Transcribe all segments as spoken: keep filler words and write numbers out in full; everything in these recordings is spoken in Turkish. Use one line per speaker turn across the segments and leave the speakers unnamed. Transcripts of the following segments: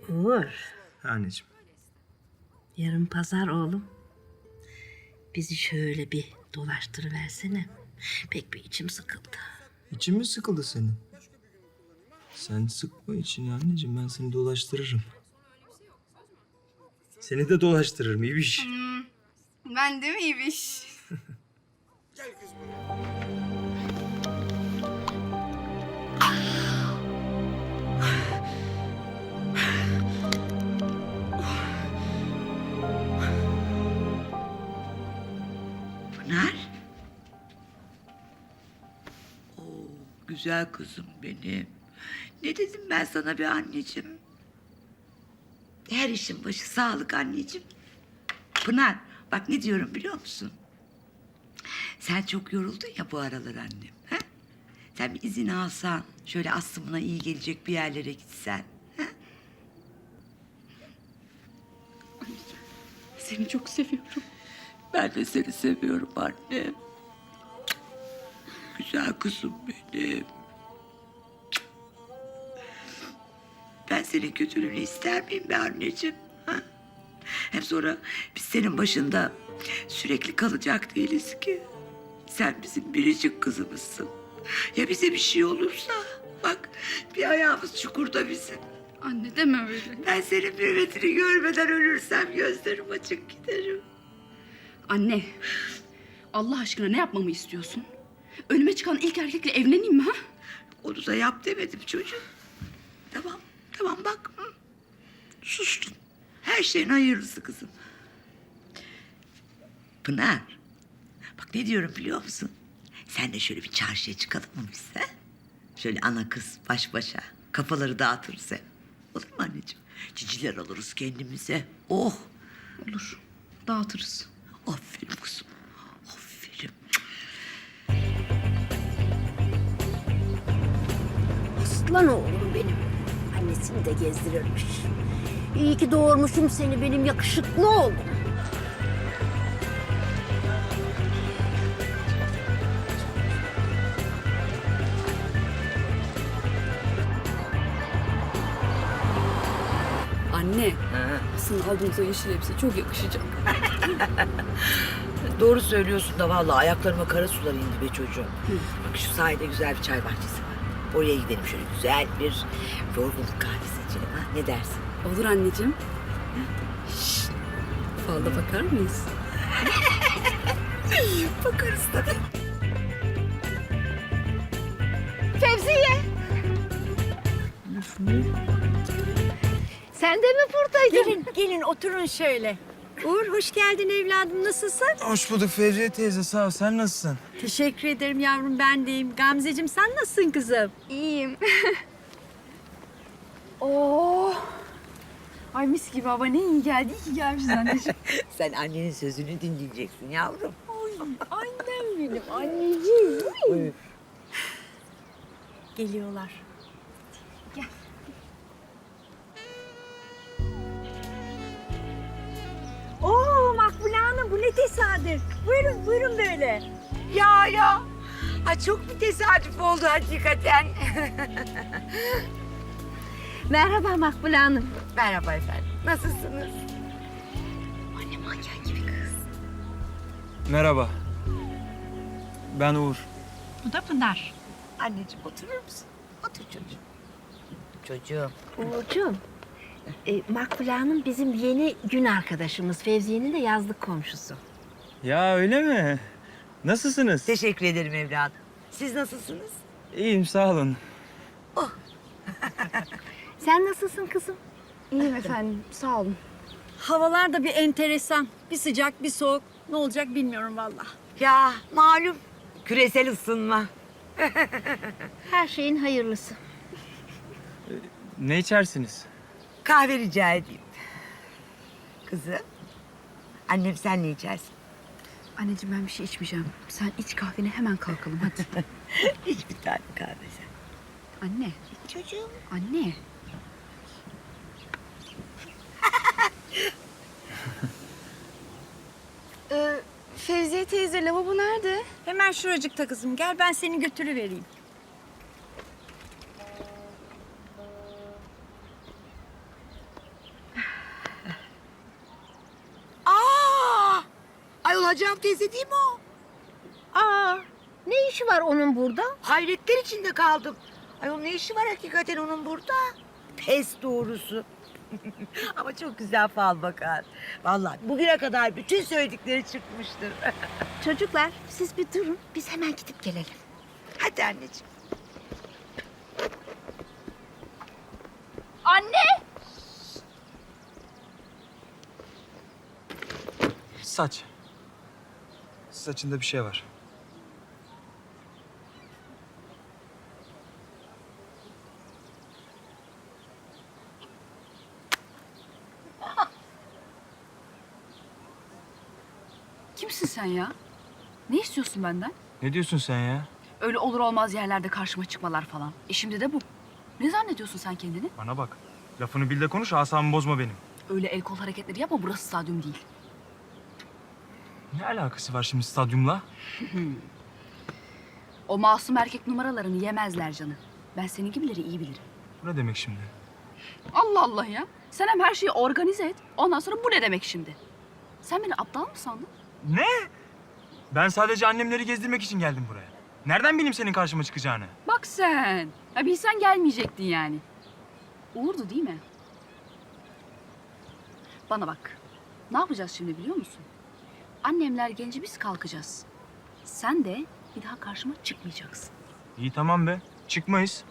Uğur,
Anneciğim.
yarın pazar oğlum. Bizi şöyle bir dolaştırıversene. Pek bir içim sıkıldı.
İçin mi sıkıldı senin? Sen sıkma içini anneciğim. Ben seni dolaştırırım. Seni de dolaştırırım İbiş.
Hmm, ben de mi İbiş?
Pınar. Oo, güzel kızım benim. Ne dedim ben sana bir anneciğim? Her işin başı sağlık anneciğim. Pınar, bak ne diyorum biliyor musun? Sen çok yoruldun ya bu aralar annem. He? Sen bir izin alsan, şöyle aslımına iyi gelecek bir yerlere gitsen. He?
Seni çok seviyorum.
Ben de seni seviyorum annem. Güzel kızım benim. Ben senin kötülüğünü ister miyim be anneciğim? Ha? Hem sonra biz senin başında sürekli kalacak değiliz ki. Sen bizim biricik kızımızsın. Ya bize bir şey olursa? Bak bir ayağımız çukurda bizim.
Anne deme öyle.
Ben senin mürvetini görmeden ölürsem gözlerim açık giderim.
Anne, Allah aşkına ne yapmamı istiyorsun? Önüme çıkan ilk erkekle evleneyim mi ha?
Onu da yap demedim çocuğum. Tamam, tamam bak. Hı. Sustun. Her şeyin hayırlısı kızım. Pınar. Bak ne diyorum biliyor musun? Sen de şöyle bir çarşıya çıkalım mı biz ha? Şöyle ana kız baş başa. Kafaları dağıtırız hem. Olur mu anneciğim? Ciciler alırız kendimize. Oh.
Olur, dağıtırız.
Aferin kızım. Aferin.
Aslan oğlum benim. Annesini de gezdirirmiş. İyi ki doğurmuşum seni benim yakışıklı oğlum.
Anne, aslında aldığımız o yeşil elbise çok yakışacak.
Doğru söylüyorsun da vallahi ayaklarıma kara sular indi be çocuğum. Bak şu sahilde güzel bir çay bahçesi var. Oraya gidelim şöyle güzel bir yorgunluk kahvesi içelim ha. Ne dersin?
Olur anneciğim. Şşt, falda bakar mıyız?
Bakarız tabii.
Fevziye! Sen de mi buradaydın? Gelin, gelin oturun şöyle. Uğur hoş geldin evladım, nasılsın?
Hoş bulduk Fevziye teyze. Sağ ol. Sen nasılsın?
Teşekkür ederim yavrum, ben deyim. Gamzeciğim sen nasılsın kızım?
İyiyim. Oo. Ay mis gibi hava, ne iyi geldi. İyi ki gelmişiz anneciğim.
Sen annenin sözünü dinleyeceksin yavrum.
Annem benim, anneciğim.
Buyur.
Geliyorlar. Oo Makbule Hanım, bu ne tesadüf. Buyurun, buyurun böyle.
Ya ya. Ay çok bir tesadüf oldu hakikaten.
Merhaba Makbule Hanım.
Merhaba efendim. Nasılsınız?
Anne manken gibi kız.
Merhaba. Ben Uğur.
Bu da Pınar.
Anneciğim oturur musun? Otur çocuğum. Çocuğum.
Uğurcuğum, e, Makbule Hanım bizim yeni gün arkadaşımız. Fevziye'nin de yazlık komşusu.
Ya öyle mi? Nasılsınız?
Teşekkür ederim evladım. Siz nasılsınız?
İyiyim sağ olun.
Sen nasılsın kızım?
İyiyim efendim, sağ olun.
Havalar da bir enteresan. Bir sıcak, bir soğuk. Ne olacak bilmiyorum vallahi.
Ya malum küresel ısınma.
Her şeyin hayırlısı.
Ne içersiniz?
Kahve rica edeyim. Kızım. Annem sen ne içersin?
Anneciğim ben bir şey içmeyeceğim. Sen iç kahveni, hemen kalkalım hadi.
Hiç bir tane kahve sen.
Anne.
Çocuğum.
Anne. ee, Fevziye teyze, lavabo nerede?
Hemen şuracıkta kızım. Gel ben seni götürüvereyim.
Nacihan teyze değil mi o?
Aa, ne işi var onun burada?
Hayretler içinde kaldım. Ay onun ne işi var hakikaten onun burada? Pes doğrusu. Ama çok güzel fal bakar. Vallahi bugüne kadar bütün söyledikleri çıkmıştır.
Çocuklar siz bir durun. Biz hemen gidip gelelim.
Hadi anneciğim.
Anne!
Saç. Saçında bir şey var.
Kimsin sen ya? Ne istiyorsun benden?
Ne diyorsun sen ya?
Öyle olur olmaz yerlerde karşıma çıkmalar falan. E şimdi de bu. Ne zannediyorsun sen kendini?
Bana bak. Lafını bil de konuş, asabımı bozma benim.
Öyle el kol hareketleri yapma, burası stadyum değil.
Ne alakası var şimdi stadyumla?
O masum erkek numaralarını yemezler canım. Ben senin gibileri iyi bilirim.
Bu ne demek şimdi?
Allah Allah ya. Sen hem her şeyi organize et. Ondan sonra bu ne demek şimdi? Sen beni aptal mı sandın?
Ne? Ben sadece annemleri gezdirmek için geldim buraya. Nereden bileyim senin karşıma çıkacağını?
Bak sen. Ya bilsen gelmeyecektin yani. Uğurdu değil mi? Bana bak. Ne yapacağız şimdi biliyor musun? Annemler gelince biz kalkacağız. Sen de bir daha karşıma çıkmayacaksın.
İyi tamam be. Çıkmayız.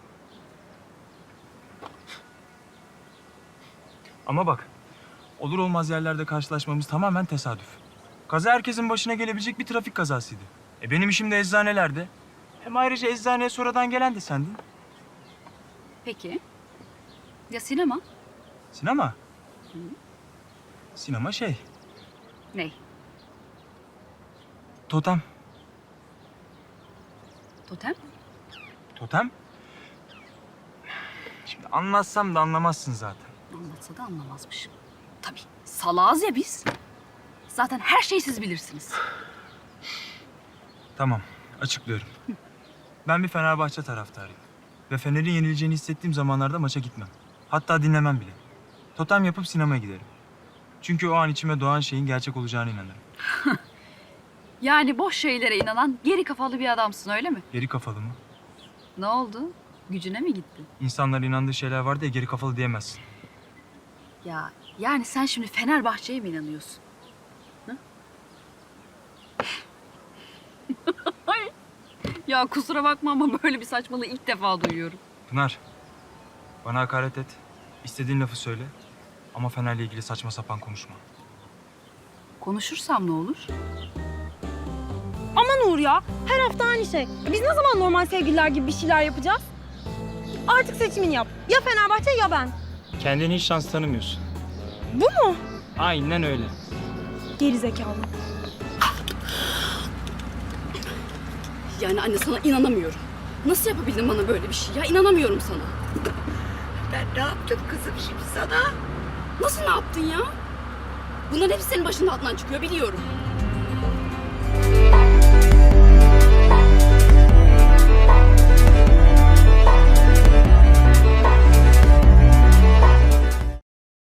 Ama bak. Olur olmaz yerlerde karşılaşmamız tamamen tesadüf. Kaza herkesin başına gelebilecek bir trafik kazasıydı. E benim işim de eczanelerde. Hem ayrıca eczaneye sonradan gelen de sendin.
Peki. Ya sinema?
Sinema. Sinema şey.
Ney?
Totem.
Totem?
Totem? Şimdi anlatsam da anlamazsın zaten.
Anlatsa da anlamazmışım. Tabii. Salağız ya biz. Zaten her şeyi siz bilirsiniz.
Tamam, açıklıyorum. Ben bir Fenerbahçe taraftarıyım. Ve Fener'in yenileceğini hissettiğim zamanlarda maça gitmem. Hatta dinlemem bile. Totem yapıp sinemaya giderim. Çünkü o an içime doğan şeyin gerçek olacağına inanırım.
Yani boş şeylere inanan geri kafalı bir adamsın öyle mi?
Geri kafalı mı?
Ne oldu? Gücüne mi gitti?
İnsanların inandığı şeyler var diye geri kafalı diyemezsin.
Ya yani sen şimdi Fenerbahçe'ye mi inanıyorsun? Hı? Ay. Ya kusura bakma ama böyle bir saçmalığı ilk defa duyuyorum.
Pınar, bana hakaret et. İstediğin lafı söyle. Ama Fener'le ilgili saçma sapan konuşma.
Konuşursam ne olur?
Aman Uğur ya, her hafta aynı şey. Biz ne zaman normal sevgililer gibi bir şeyler yapacağız? Artık seçimini yap. Ya Fenerbahçe ya ben.
Kendine hiç şans tanımıyorsun.
Bu mu?
Aynen öyle.
Geri zekalı.
Yani anne sana inanamıyorum. Nasıl yapabildin bana böyle bir şey ya? İnanamıyorum sana.
Ben ne yaptım kızım şimdi sana?
Nasıl ne yaptın ya? Bunların hepsi senin başının altından çıkıyor biliyorum.